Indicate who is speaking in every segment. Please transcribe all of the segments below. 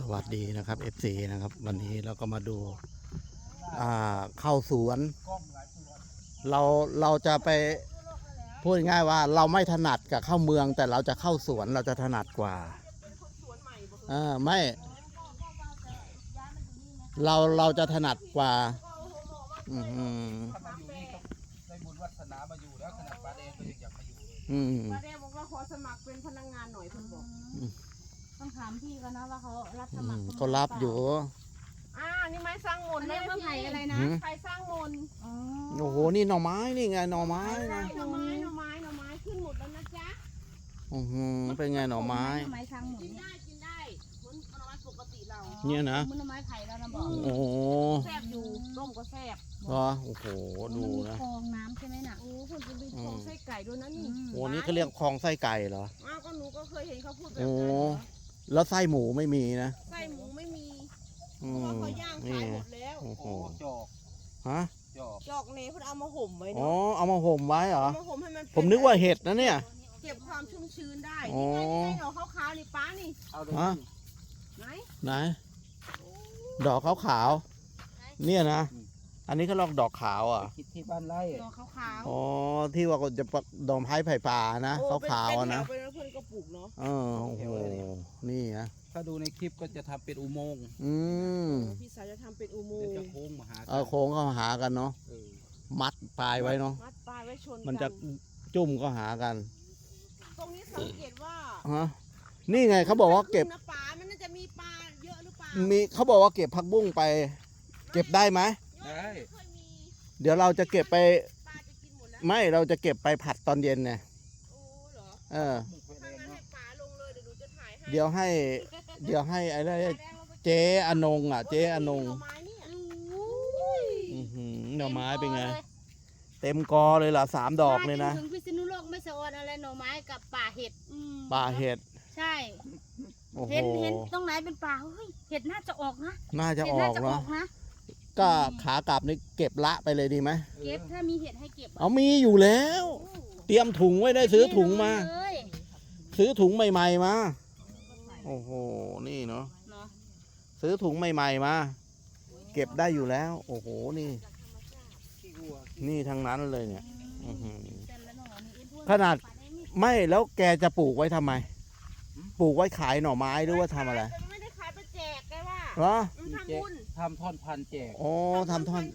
Speaker 1: วัสดีนะครับ FC นะครับวันนี้เราก็มาดูเข้าสวนเราจะไปพูดง่ายว่าเราไม่ถนัดกับเข้าเมืองแต่เราจะเข้าสวนเราจะถนัดกว่าไม่เราจะถนัดกว่า
Speaker 2: ถ้ามาอยู่นี่ก็ได้บุญวาสนามาอยู่แล้วขนาดป้าแดงก็ยังอยากมาอยู่เลย
Speaker 3: ป้าแดงบอกว่าขอสมัครเป็นพนักงานหน่อยเพิ่นบอก
Speaker 4: ต้องถามพี่กันนะว่าเขารับสมัคร
Speaker 1: เขารับอยู่
Speaker 3: นี่ไม้สร้างมนต์นะพี่
Speaker 4: ไผ่อะไรนะ
Speaker 3: ไผ่สร้างมนต์
Speaker 1: โอ้โหนี่หน่อไม้นี่ไงหน่อไม้นะ
Speaker 3: หน่อไม้ขึ้นหมดแล้วนะจ๊ะ
Speaker 1: เป็นไงหน่อไม้
Speaker 4: สร้างหมด
Speaker 3: กินได้เหมือนหน่อไม้ปกติเรา
Speaker 1: เนี่ยนะ
Speaker 4: หน่อไม้ไผ่เรานะบอก
Speaker 1: โอ้
Speaker 3: แซ่บอยู่ร่มก็แซ่บ
Speaker 1: โอ้โหดูนะ
Speaker 4: คลองน้ำใช่ไหมน่ะ
Speaker 3: คนจะมีคลองไส้ไก่ด้วยนะนี่
Speaker 1: โอ้นี่เขาเรียกคลองไส้ไก่เหรอ
Speaker 3: ก็หนูก็เคยเห็นเขาพูดแบบนั้น
Speaker 1: แล้วไส้หมูไม่มีนะ
Speaker 3: ไส้หมูไม่มีเพราะว่าเขาย่างขายหมดแล้ว
Speaker 1: โอ้โห
Speaker 2: จอก
Speaker 3: จอกเนยเพิ่นเอามาห่มไว้
Speaker 1: เอามาห่มไว้เหรอ
Speaker 3: มาห่มให้มัน
Speaker 1: ผมนึกว่าเห็ดนะเนี่ย
Speaker 3: เก็บความชุ่มชื้นได้นี่ไงดอกขาวๆนี่ป้านี่
Speaker 2: เอาเลย
Speaker 1: ไหนดอกขาวๆเนี่ยนะอันนี้เขาเรียกดอกขาว
Speaker 2: คิดที่บ้านไร่
Speaker 3: ดอกขาว
Speaker 1: ที่ว่าจะดอกไม้ไผ่ป่านะขาวๆนะ
Speaker 3: เป็นเพื่อนก็ปลูกเนาะ
Speaker 1: โอ้โหนี่นะ
Speaker 2: ถ้าดูในคลิปก็จะทำเป็นอุโมงค์
Speaker 3: พี่สาวจะทำเป็นอุโมงค์
Speaker 2: จะโค้งมาหา
Speaker 1: โค้งเข้าหากันเนาะมัดปลายไว้เนาะ
Speaker 3: มัดปลายไว้ชน
Speaker 1: มันจะจุ่มก็หากัน
Speaker 3: ตรงนี้สังเกตว่า
Speaker 1: นี่ไงเขาบอกว่าเก็บ
Speaker 3: ปลามันน่าจะมีปลาเยอะหรือเปล่า
Speaker 1: มีเขาบอกว่าเก็บผักบุ้งไปเก็บได้ไหม
Speaker 2: ได้
Speaker 1: เดี๋ยวเราจะเก็บไปไม่เราจะเก็บไปผัดตอนเย็นไงเดี๋ยวให้อะไรเจ๊อนงเจ๊อนงหน่อไม้เป็นไงเต็มกอเลยล่ะ3 ดอกเลยนะ
Speaker 4: ถึงพิษณุโลกไม่สะออนอะไรหน่อไม้กับป่าเห็ดใช่เห็นตรงไหนเป็นป่าเห็ดน่าจะออกนะ
Speaker 1: น่าจะออกนะก็ขากลับนี่เก็บละไปเลยดีไหม
Speaker 4: เก็บถ้ามีเห็ดให้เก็บ
Speaker 1: มีอยู่แล้วเตรียมถุงไว้ได้ซื้อถุงมาซื้อถุงใหม่ๆมาโอ้โหนี่เนาะซื้อถุงใหม่ๆมาเก็บได้อยู่แล้วโอ้โหนี่ทั้งนั้นเลยเนี่ยขนาดไม่แล้วแกจะปลูกไว้ทำไมปลูกไว้ขายหน่อไม้หรือว่าทำอะไร
Speaker 3: ไม่ได้ขายไปแจกแกว่า
Speaker 1: เหรอ
Speaker 2: ทำท่อนพันแจก
Speaker 1: ทำท่อน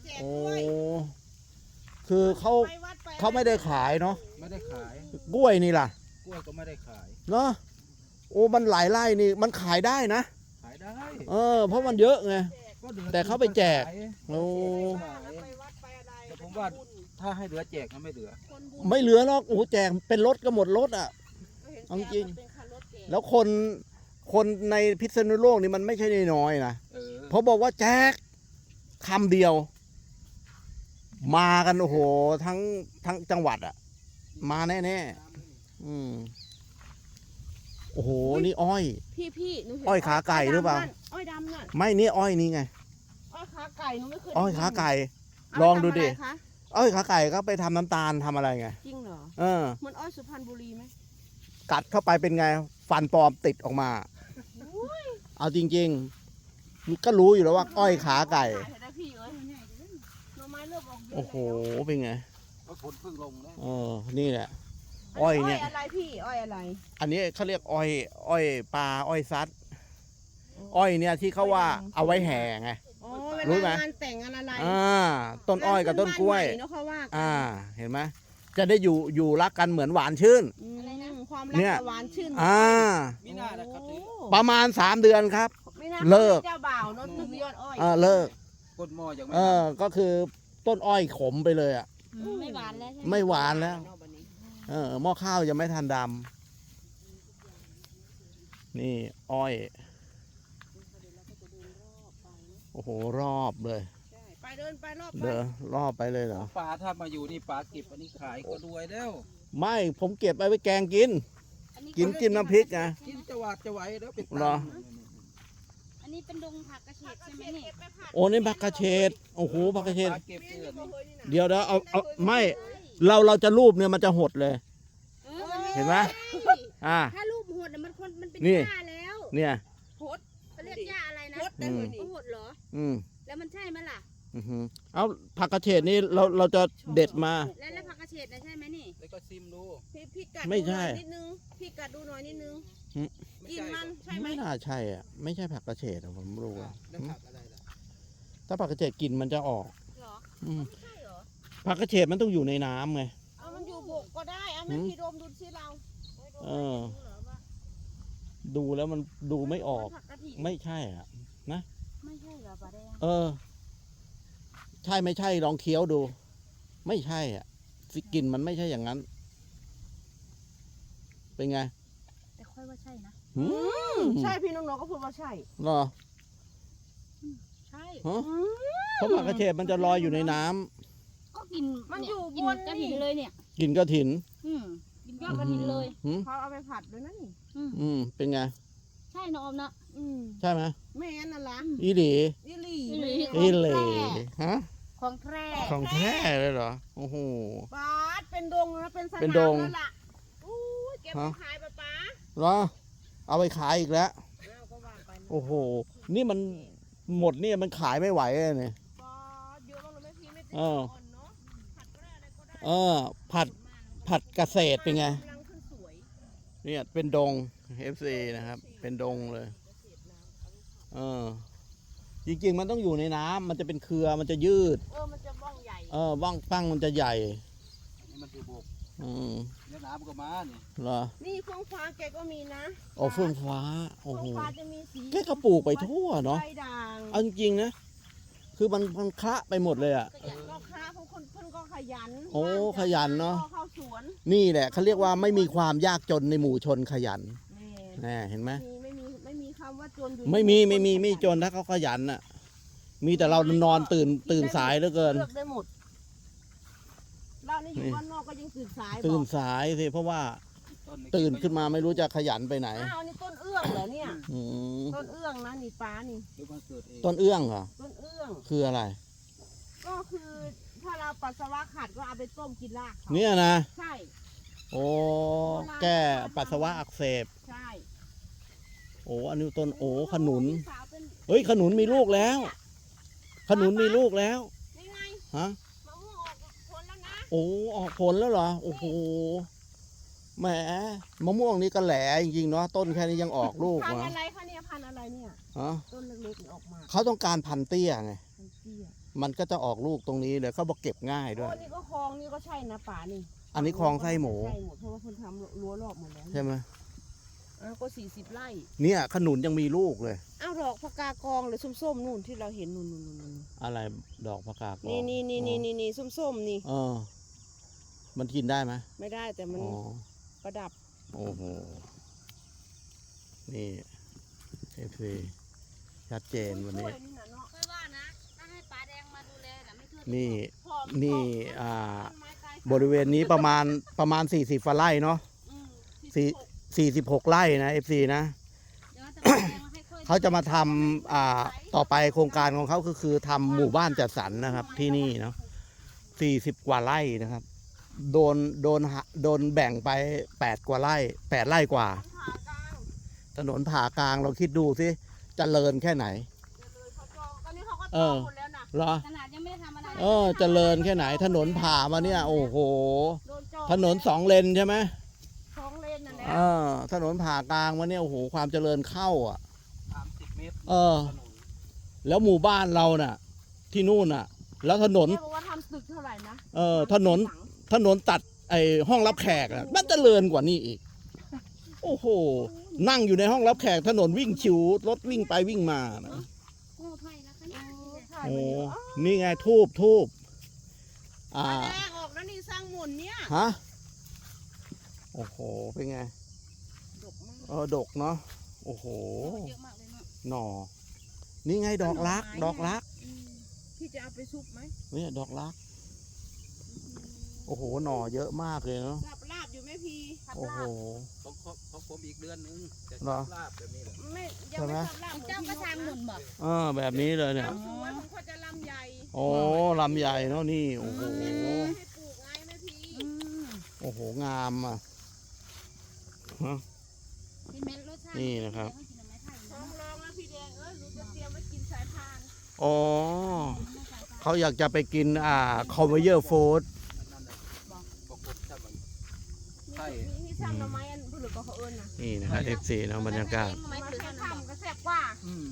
Speaker 1: คือเขาไม่ได้ขายเนาะ
Speaker 2: ไม่ได้ขาย
Speaker 1: กล้วยนี่ล่ะ
Speaker 2: กล้วยก็ไม่ได้ขาย
Speaker 1: เนาะมันหลายไร่นี่มันขายได้นะ
Speaker 2: ขายได้
Speaker 1: เพราะมันเยอะไงแต่เขาไปแจก
Speaker 2: แต่ผมว่าถ้าให้เหลือแจกก็ไม่เหลื
Speaker 1: อหรอกแจกเป็นรถก็หมดรถเอาจริงแล้วคนในพิษณุโลกนี่มันไม่ใช่น้อยนะเพราะบอกว่าแจกคำเดียวมากันโอ้โหทั้งจังหวัดมาแน่โอ้โหนี่อ้อย
Speaker 3: พี่
Speaker 1: อ้อยขาไก่หรือเปล่า
Speaker 3: อ้อยดำน่ะ
Speaker 1: ไม่นี่อ้อยนี่ไง
Speaker 3: อ้อยขาไก่หนูไม่เคย
Speaker 1: อ้อยขาไก่ลองดูดิอ้อยขาไก่ก็ไปทำน้ำตาลทำอะไรไง
Speaker 3: จริงเหรอเหมือนอ้อยสุพรรณบุรีไหม
Speaker 1: กัดเข้าไปเป็นไงฟันปลอมติดออกมาเอาจริงๆก็รู้อยู่แล้วว่าอ้อยขาไก่โอ้โหเป็นไง
Speaker 2: ฝนเพิ่งลงแล้ว
Speaker 1: นี่แหละอ้อยเนี่ย
Speaker 3: อะไรพี่อ้อยอะไร
Speaker 1: อันนี้เขาเรียกอ้อยปลาอ้อยซัดอ้อยเนี่ยที่เขาว่าเอาไว้แห่ไง
Speaker 3: รู้ไหมงานแต่งงานอะไร
Speaker 1: ต้นอ้อยกับต้นกล้วยเห็นไหมจะได้อยู่รักกันเหมือนหวานชื่น
Speaker 3: ความรักหวานชื่น
Speaker 1: ประมาณ3 เดือนครับเลิก
Speaker 3: เจ้าบ่าวน้องยอดอ้อย
Speaker 1: เลิก
Speaker 2: ก้นหม้อยัง
Speaker 1: ก็คือต้นอ้อยขมไปเลย
Speaker 4: ไม่หวานแล้ว
Speaker 1: ไม่หวานแล้วหม้อข้าวยังไม่ทันดำนี่อ้อยโอ้โหรอบเลย
Speaker 3: ไปเดินไปรอบ
Speaker 1: รอบไปเลยเหรอ
Speaker 2: ปลาถ้ามาอยู่นี่ปลาเก็บอันนี้ขายก็รวยแล้ว
Speaker 1: ไม่ผมเก็บไปแกงกินน้ำพริกไง
Speaker 2: กินจะหวาดจะไหวแล้วเป็น
Speaker 1: หรอ
Speaker 4: อันนี้เป็นดงผักกระเฉดใช่ไหมนี่
Speaker 1: นี่ผักกระเฉดโอ้โหผักกระเฉดเดี๋ยวเอาไม่เราจะรูปเนี่ยมันจะหดเลยเห็นไหม
Speaker 4: ถ้ารูปหดมันเป็นหญ้าแล้ว
Speaker 1: เนี่ย
Speaker 3: หดเขาเรีย
Speaker 4: ยกหญ้าอะไรนะ
Speaker 3: พดได้เลยนี่
Speaker 4: ก็หดเหรอ
Speaker 1: อืม
Speaker 4: แล้วมันใช่ไหมล่ะ
Speaker 1: อือหือเอาผักกระเฉดนี่เราจะเด็ดมา
Speaker 4: แล้วผักกระเฉดนะใช่ไหมนี่
Speaker 2: แล้วก็ซิมดู
Speaker 3: พี่กัด
Speaker 1: ไม่ใช่
Speaker 3: ดูหน่อยนิดนึงพี่กัดดูหน่อยนิดนึง
Speaker 2: ไม่
Speaker 3: กิน
Speaker 2: ใช่
Speaker 3: มันใช่ไหม
Speaker 1: ไม่น่าใช่อ่ะไม่ใช่ผักกระเฉดอะผมรู้
Speaker 2: อ่ะ
Speaker 1: อะ
Speaker 2: แล้วผักอะไรล่ะ
Speaker 1: ถ้าผักกระเฉดกลิ่นมันจะออก
Speaker 4: เหรอ
Speaker 1: อืม
Speaker 4: ไม่ใช่เหรอ
Speaker 1: ผักกระเฉดมันต้องอยู่ในน้ำไง
Speaker 3: เอามันอยู่บกก็ได้เอามันพี่ดมดูสิเรา
Speaker 1: เออ ดูแล้วมันดูไม่ออก
Speaker 3: ผักกะทิ
Speaker 1: ไม่ใช่อ่ะ
Speaker 4: ไม่ใช่เหรอปลาแดง
Speaker 1: เออ ใช่ไม่ใช่ลองเคี้ยวดู ไม่ใช่อ่ะสิกลิ่นมันไม่ใช่อย่างนั้น เป็นไง
Speaker 4: แต่ค่อยว่าใช่นะ
Speaker 1: หืม
Speaker 3: ใช่พี่น้องๆก็พูดว่าใช่
Speaker 1: เหรอ
Speaker 4: ใช่
Speaker 1: ฮะเพราะผักกระเฉดมันจะลอยอยู่ในน้ำ
Speaker 4: ก็กิน
Speaker 3: มันอยู่
Speaker 4: กิน
Speaker 3: บน
Speaker 4: กระ
Speaker 3: นี่
Speaker 4: ถินเลยเนี่ย
Speaker 1: กินกระถิน
Speaker 4: กินยอดกระถินเลย
Speaker 1: หืม
Speaker 3: เขาเอาไปผัดด้วยนะนี่
Speaker 1: เป็นไง
Speaker 4: ใช่นะอมนะ
Speaker 1: ใช่ไหม
Speaker 3: แม่นั่นล่ะ
Speaker 1: อีหลี
Speaker 3: อีหลี
Speaker 4: อีหลี
Speaker 1: อีเหล่ฮะ
Speaker 4: ของแพร่
Speaker 1: ของแท้เลยเหรอ โอ้โห
Speaker 3: ปาดเป็นดงนะเป็นสนาม
Speaker 1: เป็นดง
Speaker 3: แล้วล่ะอู้ยเก็บไปขายปะป๊า
Speaker 1: เหรอ เอาไปขายอีกแล้ว
Speaker 3: แล้วก็ว่าไปนะ
Speaker 1: โอ้โห นี่มันหมดเนี่ยมันขายไม่ไหวเลยเนี่ย
Speaker 3: ปาดเยอะมากเลยแม่พี่ไม่ติด
Speaker 1: เออ
Speaker 3: อ่อนเนาะผัดก็ได้อะไรก็ได้
Speaker 1: เออ ผัดเกษตรเป็นไง
Speaker 3: กำลังขึ้นสวย
Speaker 1: เนี่ยเป็นดง FC นะครับ เป็นดงเลย เออ จริงๆมันต้องอยู่ในน้ำมันจะเป็นเครือมันจะยืด
Speaker 3: มันจะบ้องใหญ่
Speaker 1: บ้างปั้งมันจะใหญ่
Speaker 2: นี่มันคือบก
Speaker 1: อืม
Speaker 2: แล้วน้ำมันก็มานี่
Speaker 1: เหรอ
Speaker 3: นี่เฟื่องฟ้าแกก็มีนะ
Speaker 1: โอ้เฟื่องฟ้า โอ้
Speaker 3: เฟื่
Speaker 1: โห
Speaker 3: องฟ้าจะมีสี
Speaker 1: แกก็ปลูกไปทั่วเนาะ
Speaker 3: ใบด่าง
Speaker 1: เอาจริงๆนะ คือมันคละไปหมดเลยอ่ะ
Speaker 3: ก็ค้าพวกคนเพิ่นก็ขยัน
Speaker 1: โอ้ขยันเนอะ
Speaker 3: ก็เข้าสวน
Speaker 1: นี่แหละเขาเรียกว่าไม่มีความยากจนในหมู่ชนขยัน
Speaker 3: แม่
Speaker 1: แน่เห็นไหม
Speaker 3: ไม่มีคำว่าจนอยู่
Speaker 1: ไม่จนถ้าเขาขยันน่ะ มีแต่เรานอนตื่นสายเหลือเกิน
Speaker 3: เลือกได้หมดเรานี่อยู่บ้านนอกก็ยังตื่นสาย
Speaker 1: ตื่น
Speaker 3: บอก
Speaker 1: สายสิเพราะว่า
Speaker 2: ต้น
Speaker 1: ตื่นขึ้นมาไม่รู้จะขยันไปไหน
Speaker 3: อ้าวนี่ต้นเอื้องเหรอเนี่ย
Speaker 1: อืม
Speaker 3: ต้นเอื้องนะนี่ป้านี่
Speaker 2: หรือมันเกิดเอง
Speaker 1: ต้นเอื้องเหรอ
Speaker 3: ต้นเอื้อง
Speaker 1: คืออะไร
Speaker 3: ก็คือถ้าเราปัสสาวะขัดก็เอาไปต้มกินรากเขา
Speaker 1: เนี่ยนะ
Speaker 3: ใช่
Speaker 1: โอ้แก้ปัสสาวะอักเสบ
Speaker 3: ใช่
Speaker 1: โอ้อันนี้ต้นโอ้ขนุน
Speaker 3: พี่สาวเป็น
Speaker 1: เฮ้ยขนุนมีลูกแล้ว ขนุนมีลูกแล้ว
Speaker 3: นี่ไง
Speaker 1: ฮะ
Speaker 3: มะม่วงออกผลแล้วนะ
Speaker 1: โอ้ออกผลแล้วเหรอโอ้โหแหมมะม่วงนี่ก็แหลจริงๆเนาะต้นแค่นี้ยังออกลูก
Speaker 3: พันธุ์
Speaker 1: มา
Speaker 3: อะไรคะเนี่ยพันธุ์อะไรเนี่ย
Speaker 1: ฮะ
Speaker 3: ต้นเล็กๆนี่ออกมา
Speaker 1: เขาต้องการพันธุ์เตี้ยไง
Speaker 3: มันเตี้ย
Speaker 1: มันก็จะออกลูกตรงนี้เลยเขาบอกเก็บง่ายด้วย
Speaker 3: โอ้นี่ก็คลองนี่ก็ใช่นะป่านี่
Speaker 1: อันนี้คลองไส้หมู
Speaker 3: ใช่หมดเพราะว่าคนทำรั้วรอบหมดแล้ว
Speaker 1: ใช่ไหม
Speaker 3: ก็40 ไร่
Speaker 1: เนี่ยขนุนยังมีลูกเลย
Speaker 3: อ้าวดอกพกากองหรือส้มๆนู่นที่เราเห็นนู่น
Speaker 1: อะไรดอกผักกาด
Speaker 3: นี่ส้มๆนี่
Speaker 1: เออ มันกินได้ไหม
Speaker 3: ไม่ได้แต่มัน
Speaker 1: อ๋อ
Speaker 3: ประดับ
Speaker 1: โอ้โหนี่เอฟซีชัดเจนวันนี้
Speaker 3: ช่วยนี่นะเนาะ
Speaker 4: ค่อยว่านะถ้าให้ปลาแดงมาดูแลน่ะไม่ทั่วถึง
Speaker 1: นี่
Speaker 3: พอ
Speaker 1: นี่
Speaker 3: พอ
Speaker 1: อ่า
Speaker 3: ต้นไม้ตาย
Speaker 1: บริเวณนี้ประมาณ40 ไร่เนาะ
Speaker 3: อืม
Speaker 1: 46 ไร่นะ FC นะ
Speaker 4: เดี๋ยวจะปลาแดงมาให้ค่อย
Speaker 1: เขาจะมาทำต่อไปโครงการของเขาคือทำหมู่บ้านจัดสรรนะครับที่นี่เนาะ40 กว่าไร่นะครับ โดนแบ่งไป8 กว่าไร่8 ไร่กว่า
Speaker 3: ผ่ากลาง
Speaker 1: ถนนผ่ากลางเราคิดดูสิเจริญแค่ไหน
Speaker 3: เดี๋ยวเลยเขาจองตอนนี้เขาก็จ
Speaker 1: เอ
Speaker 3: อง
Speaker 1: อ
Speaker 3: หมดแล้วนะ
Speaker 1: เหรอ
Speaker 4: ขนาดยังไม่ได้ทำอะไร
Speaker 1: เจริญแค่ไหน ถนนผ่ามาเนี่ย โอ้โห
Speaker 3: โดนจอง
Speaker 1: ถนน2 เลนใช่ไหม
Speaker 3: 2 เลนนั่นแหละ
Speaker 1: ถนนผ่ากลางมาเนี่ยโอ้โหความเจริญเข้าอ่ะ
Speaker 2: 30 เมตร
Speaker 1: เออ
Speaker 2: ถนน
Speaker 1: แล้วหมู่บ้านเราน่ะ ที่นู่นน่ะ แล้วถนน
Speaker 3: แกบอกว่าทำตึกเท่าไหร่นะ
Speaker 1: ถนนตัดไอ้ห้องรับแขกอ่ะมันเจริญกว่านี่อีก โอ้โห นั่งอยู่ในห้องรับแขกถนนวิ่งชิวรถวิ่งไปวิ่งมานะ
Speaker 4: โอ้ไผ่นะคะเนี่ย
Speaker 3: ถ่าย
Speaker 1: โอ้
Speaker 3: มาเยอะ
Speaker 1: นี่ไงทูบ
Speaker 3: ปลาแดงออกแล้วนี่สร้างหมุนเนี่ย
Speaker 1: ฮะ โอ้โห เป็นไง
Speaker 3: ดกมาก
Speaker 1: ดกเนาะ โอ้โห
Speaker 4: เยอะมากเลยเนาะ
Speaker 1: หน่อ นี่ไงดอกรัก ดอกรัก
Speaker 3: พี่จะเอาไปซุปไหม
Speaker 1: เนี่ยดอกรัก โอ้โห หน่อเยอะมากเลยเนาะ
Speaker 3: ลาบอยู่ไหมพี่ผัด
Speaker 1: โอ้
Speaker 3: ลา
Speaker 1: โห
Speaker 3: บ
Speaker 2: ของผมอีกเดือนนึงจะ
Speaker 1: เหรอ
Speaker 2: ลาบแบบนี้แหละ
Speaker 3: ไม่ยังไม่ทำลาบ
Speaker 4: เจ้าก็ทางหนุนบ่
Speaker 1: แบบนี้เลยเนี่ย
Speaker 3: ทำสวยผมก็จะลำใหญ่
Speaker 1: โอ้ลำใหญ่เนาะนี่ โอ้โห
Speaker 3: ให้ปลูกไงแม่พี่
Speaker 1: โอ้โห งามอ่ะ
Speaker 4: กินเม็ดรสชาติ
Speaker 1: นี่นะครับ
Speaker 4: กินหน่อไม้ไผ่
Speaker 3: ท้องร้องแล้วพี่แดงเอ้ย
Speaker 1: อ๋อเขาอยากจะไปกินคอมเวเยอร์ฟู้ด
Speaker 2: นั่นแหละบอกกบจับมันใช่
Speaker 3: นี่ซ้ำหน่อไม้อันผลึกก็เขาเอิญนะ
Speaker 1: นี่นะครับ FC เนาะบรรยากาศ
Speaker 4: ทำไม
Speaker 3: มา
Speaker 4: ถือ
Speaker 3: แค่
Speaker 4: ขนม
Speaker 3: ข้ามก็แซ่บกว่า
Speaker 2: อืม